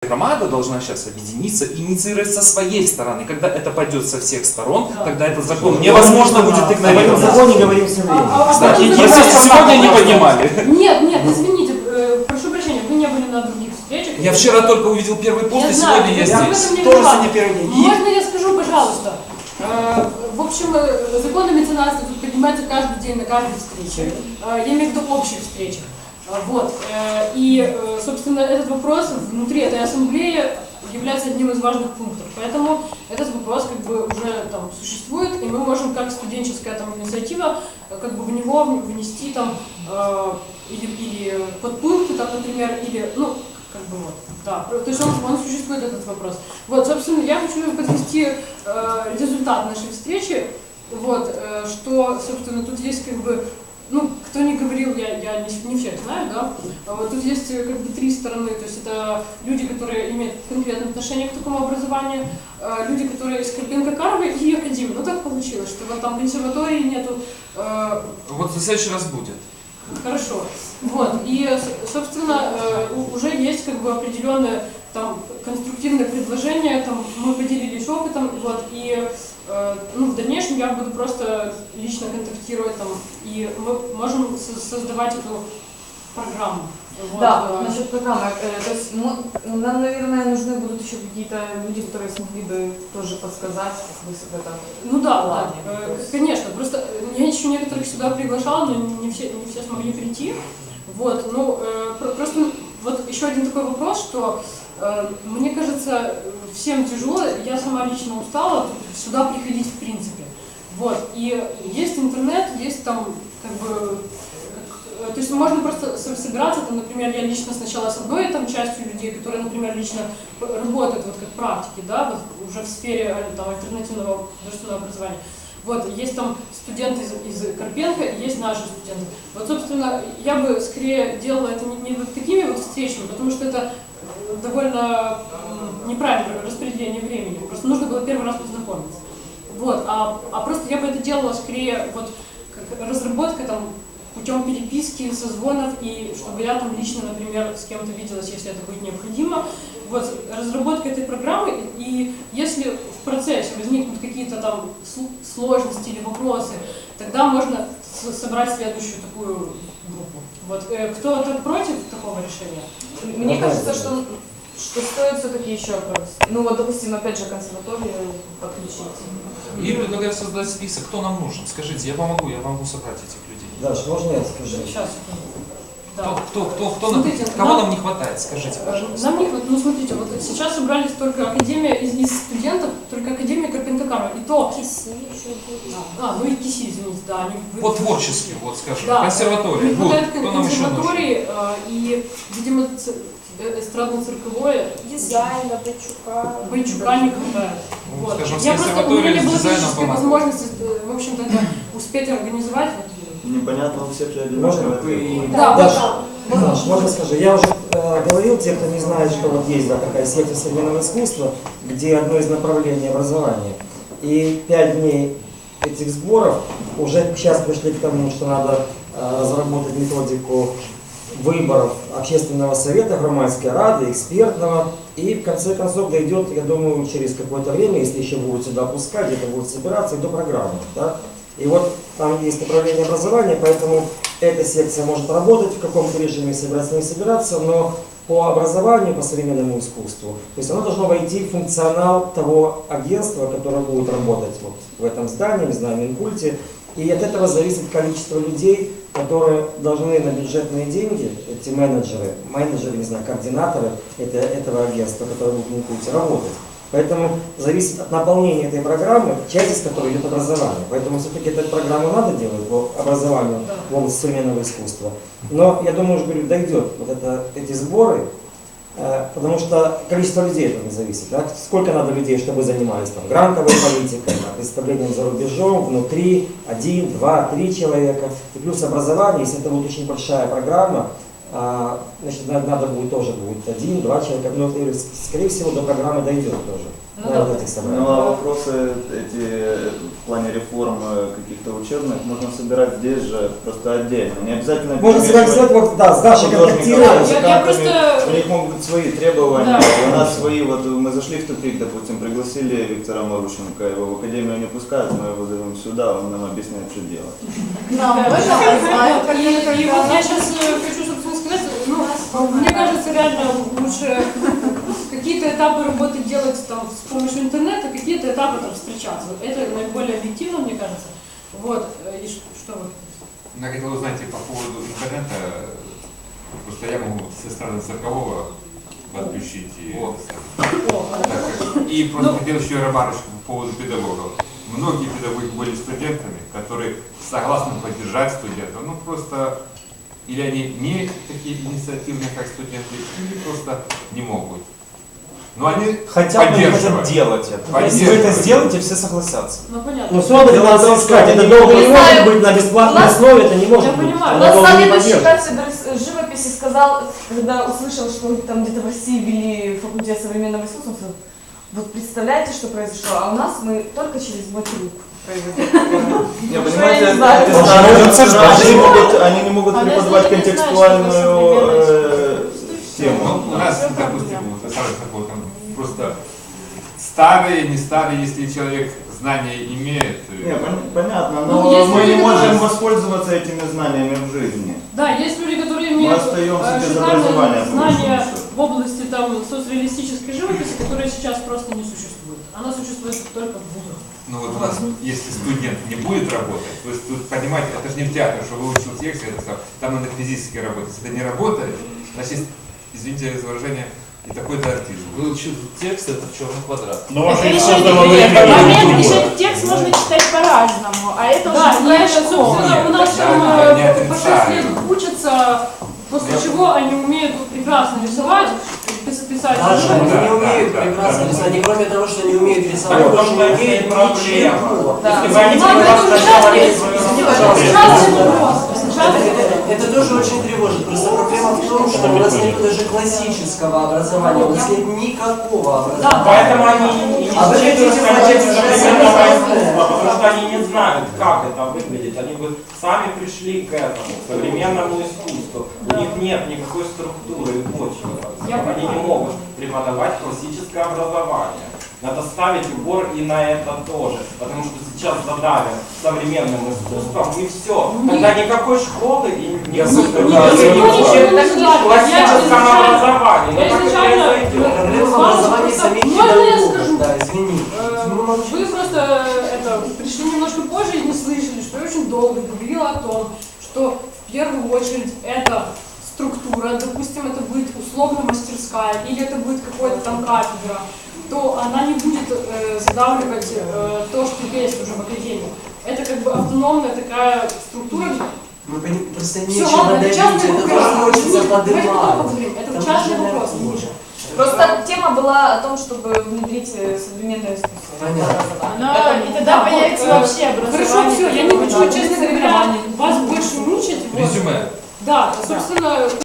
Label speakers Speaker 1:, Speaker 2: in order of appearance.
Speaker 1: громада должна сейчас объединиться и инициировать со своей стороны. Когда это пойдет со всех сторон, тогда этот закон невозможно будет игнорировать.
Speaker 2: В законе говорим все время.
Speaker 1: Кстати, если сегодня не поднимали.
Speaker 3: Нет, извините, прошу прощения, вы не были на других встречах.
Speaker 1: Я вчера только увидел первый пост, и сегодня я здесь.
Speaker 2: Тоже сегодня первый день.
Speaker 3: Можно я скажу, пожалуйста? В общем, законы меценатства тут поднимаются каждый день на каждой встрече. Я имею в виду общих встречах. Вот. И, собственно, этот вопрос внутри этой ассамблеи является одним из важных пунктов. Поэтому этот вопрос как бы уже там существует, и мы можем как студенческая там инициатива как бы в него внести там или подпункты, там, например, или, ну, как бы вот, да, то есть он существует, этот вопрос. Вот, собственно, я хочу подвести результат нашей встречи, вот, что, собственно, тут есть как бы, ну, кто не говорил, я не всех знаю, да, вот тут есть как бы три стороны, то есть это люди, которые имеют конкретное отношение к такому образованию, люди, которые из Карпенко-Каровой и академии. Ну так получилось, что вот там консерватории нету.
Speaker 1: Вот в следующий раз будет.
Speaker 3: Хорошо. Вот. И, собственно, уже есть как бы определенное там конструктивное предложение, там мы поделились опытом, вот, и ну, в дальнейшем я буду просто лично контактировать там, и мы можем создавать эту программу. Вот.
Speaker 4: Да, насчет программы. То есть нам, наверное, нужны будут еще какие-то люди, которые смогли бы тоже подсказать, как вы в этом.
Speaker 3: Ну да, конечно. Просто я еще некоторых сюда приглашала, но не все смогли прийти. Вот, ну, просто вот еще один такой вопрос, что мне кажется, всем тяжело, я сама лично устала сюда приходить в принципе. Вот, и есть интернет, есть там как бы, то есть можно просто собираться, там, например, я лично сначала с одной там частью людей, которые, например, лично работают вот как практики, да, вот уже в сфере там, альтернативного государственного образования. Вот, есть там студенты из Карпенко, есть наши студенты. Вот, собственно, я бы скорее делала это не вот такими вот встречами, потому что это довольно неправильное распределение времени. Просто нужно было первый раз познакомиться. Вот, а просто я бы это делала скорее вот как разработка там путем переписки, созвонов, и чтобы я там лично, например, с кем-то виделась, если это будет необходимо. Вот, разработка этой программы, и если в процессе возникнут какие-то там сложности или вопросы, тогда можно собрать следующую такую группу. Вот, кто-то против такого решения?
Speaker 4: Мне кажется, что стоит все-таки еще, ну вот, допустим, опять же, консерваторию подключить.
Speaker 1: И предлагаю создать список, кто нам нужен. Скажите, я помогу собрать этих людей.
Speaker 2: Даш, можно я скажу?
Speaker 3: Сейчас. Да.
Speaker 1: Смотрите, кого нам не хватает, скажите, пожалуйста.
Speaker 3: Нам не хватает, ну смотрите, вот сейчас собрались только академия из студентов, только академия Карпенко-Карова, и то...
Speaker 5: КИСИ еще будет.
Speaker 3: Ну и КИСИ, извините, да. Они...
Speaker 1: По творчески, вот скажем,
Speaker 3: да,
Speaker 1: консерватория.
Speaker 3: Не хватает
Speaker 1: консерватории,
Speaker 3: и, видимо, эстрадно-цирковое.
Speaker 5: Дизайна,
Speaker 3: Бойчука не хватает.
Speaker 1: Ну,
Speaker 3: Вот.
Speaker 1: скажем,
Speaker 3: Я просто, у меня не было
Speaker 1: дизайном
Speaker 3: физической возможности, в общем-то, это успеть организовать.
Speaker 6: Непонятно у всех
Speaker 2: Можно?
Speaker 3: Да,
Speaker 2: Даш, можно скажу? Я уже говорил, те, кто не знает, что вот есть такая секта современного искусства, где одно из направлений образования. И 5 дней этих сборов уже сейчас пришли к тому, что надо разработать методику выборов общественного совета, громадской рады, экспертного, и в конце концов дойдет, я думаю, через какое-то время, если еще будут сюда пускать, где-то будут собираться, и до программы. Да? И вот там есть направление образования, поэтому эта секция может работать в каком-то режиме, собираться, не собираться, но по образованию, по современному искусству, то есть оно должно войти в функционал того агентства, которое будет работать вот в этом здании, не знаю, в Минкульте, и от этого зависит количество людей, которые должны на бюджетные деньги, эти менеджеры, не знаю, координаторы этого агентства, которые будут в Минкульте работать. Поэтому зависит от наполнения этой программы, часть из которой идет образование. Поэтому все-таки эту программу надо делать по образованию в области современного искусства. Но я думаю, что дойдет вот эти сборы, потому что количество людей от этого не зависит. Да? Сколько надо людей, чтобы занимались там, грантовой политикой, представлением за рубежом, внутри, 1, 2, 3 человека. И плюс образование, если это будет очень большая программа, значит, надо будет тоже будет 1-2 человека, но скорее всего до программы дойдет тоже.
Speaker 3: Ну,
Speaker 2: На вот этих собраниях.
Speaker 6: Ну а вопросы эти в плане реформ каких-то учебных можно собирать здесь же просто отдельно. Не обязательно
Speaker 2: Можно связать вот, да, с Дашей контактировать.
Speaker 3: Я просто-
Speaker 6: У них могут быть свои требования,
Speaker 3: Да.
Speaker 6: у нас свои. Вот мы зашли в тупик, допустим, пригласили Виктора Марущенко, его в академию не пускают, мы его зовем сюда, он нам объясняет, что делать.
Speaker 4: Нам
Speaker 3: Да,
Speaker 4: можно позвать,
Speaker 3: вот, и вот я сейчас хочу, собственно, сказать, ну, мне кажется, реально лучше какие-то этапы работы делать там с помощью интернета, какие-то этапы там встречаться. Это наиболее объективно, мне кажется. Вот, и что вы?
Speaker 7: Я хотел узнать по поводу интернета, просто я могу со стороны циркового подключить и просто хотел еще ремарочку по поводу педагогов. Многие педагоги были студентами, которые согласны поддержать студентов, ну просто или они не такие инициативные, как студенты, или просто не могут. Но они
Speaker 1: Хотя бы не хотят
Speaker 7: поддерживают.
Speaker 1: делать это. Если вы это сделаете, все согласятся.
Speaker 3: Ну, понятно.
Speaker 2: Ну, все равно это надо искать. Это долго не может быть на бесплатной основе, это не может быть.
Speaker 3: понимаю.
Speaker 2: Она долго не
Speaker 4: Наставник
Speaker 2: поддержит.
Speaker 4: кафедры живописи сказал, когда услышал, что там где-то в России ввели факультет современного искусства, он сказал, вот представляете, что произошло, а у нас мы только через Батюк произойдет.
Speaker 6: Не,
Speaker 4: Я
Speaker 6: понимаете,
Speaker 4: не знаю.
Speaker 6: это
Speaker 1: Он
Speaker 6: становится,
Speaker 1: же
Speaker 6: они не могут
Speaker 3: А
Speaker 6: преподавать
Speaker 3: если ты не знаешь,
Speaker 6: контекстуальную
Speaker 7: Ну,
Speaker 6: тему.
Speaker 7: у нас, допустим, вот, там просто старые, не старые, если человек знания имеет.
Speaker 6: Не, понятно,
Speaker 3: Ну,
Speaker 6: но
Speaker 3: если
Speaker 6: мы не
Speaker 3: люди
Speaker 6: можем
Speaker 3: говорят-
Speaker 6: воспользоваться этими знаниями в жизни.
Speaker 3: Да, есть люди, которые
Speaker 6: Мы
Speaker 3: имеют
Speaker 6: остаемся без
Speaker 3: шикарные
Speaker 6: образования. по большому
Speaker 3: знания
Speaker 6: счету.
Speaker 3: в области там соцреалистической живописи, которая сейчас просто не существует. Она существует только в вузах.
Speaker 7: Ну вот у нас, если студент не будет работать, то есть тут, понимаете, это же не в театре, что выучил текст, это все, там надо физически работать. Если это не работает, значит, извините за выражение, и такой-то артизм.
Speaker 1: Выучил текст, это черный квадрат.
Speaker 8: Но вообще
Speaker 9: Это
Speaker 8: все
Speaker 9: еще
Speaker 8: здоровые
Speaker 9: момент, еще текст можно читать по-разному, а это
Speaker 3: Да,
Speaker 9: уже
Speaker 3: и
Speaker 9: другая
Speaker 3: это,
Speaker 9: школа.
Speaker 3: собственно, у нас
Speaker 7: Да,
Speaker 3: там
Speaker 7: да, не
Speaker 3: по 6
Speaker 7: отрицаю.
Speaker 3: лет учатся, после чего они умеют прекрасно рисовать, писать.
Speaker 2: Даже
Speaker 7: Да,
Speaker 2: они не
Speaker 7: да,
Speaker 2: умеют
Speaker 7: да,
Speaker 2: прекрасно
Speaker 7: да.
Speaker 2: рисовать, и кроме того, что они умеют рисовать,
Speaker 8: Так,
Speaker 2: больше
Speaker 8: в
Speaker 2: не
Speaker 8: том-то и
Speaker 2: умеют
Speaker 8: проблема.
Speaker 2: ничего.
Speaker 4: Да.
Speaker 8: Если бы они
Speaker 3: Надо
Speaker 8: раз
Speaker 3: это
Speaker 8: сначала
Speaker 3: ужасно,
Speaker 8: не
Speaker 3: ужасный вопрос. Ужасный вопрос.
Speaker 2: Это тоже очень тревожит. Просто проблема в том, что у нас нет даже классического образования, у нас нет никакого образования.
Speaker 8: Поэтому они и не
Speaker 2: А вы
Speaker 8: считают
Speaker 2: хотите
Speaker 8: контекст
Speaker 2: понять,
Speaker 8: современного
Speaker 2: что
Speaker 8: искусства, потому что они не знают, как это выглядит. Они бы сами пришли к этому, к современному искусству. У них нет никакой структуры и почвы. Они не могут преподавать классическое образование. Надо ставить упор и на это тоже, потому что сейчас задавим современным искусством и все. Тогда никакой школы и никакой классическом образовании.
Speaker 3: Я изначально
Speaker 2: Проблема в образовании самих
Speaker 3: можно я
Speaker 2: педагогов.
Speaker 3: скажу?
Speaker 2: Да, извини.
Speaker 3: Вы просто пришли немножко позже и не слышали, что я очень долго говорила о том, что в первую очередь это структура, допустим, это будет условно мастерская или это будет какая-то там кафедра, то она не будет задавливать то, что есть уже в академии. Это как бы автономная такая структура.
Speaker 2: Мы просто
Speaker 3: Все,
Speaker 2: нечего
Speaker 3: ладно, это
Speaker 2: давить,
Speaker 3: частный
Speaker 2: это
Speaker 3: вопрос.
Speaker 2: тоже хочется
Speaker 3: Давайте потом
Speaker 2: поднимать.
Speaker 3: поговорим. Это
Speaker 2: Там
Speaker 3: частный
Speaker 2: же,
Speaker 3: вопрос.
Speaker 2: наверное, хуже.
Speaker 4: Просто тема была о том, чтобы внедрить современное искусство.
Speaker 2: Понятно.
Speaker 9: И тогда появится вообще образование.
Speaker 3: Хорошо, все, я не хочу,
Speaker 9: какое-то.
Speaker 3: честно говоря, вас больше мучить. Вот.
Speaker 1: Резюме.
Speaker 3: Да, собственно,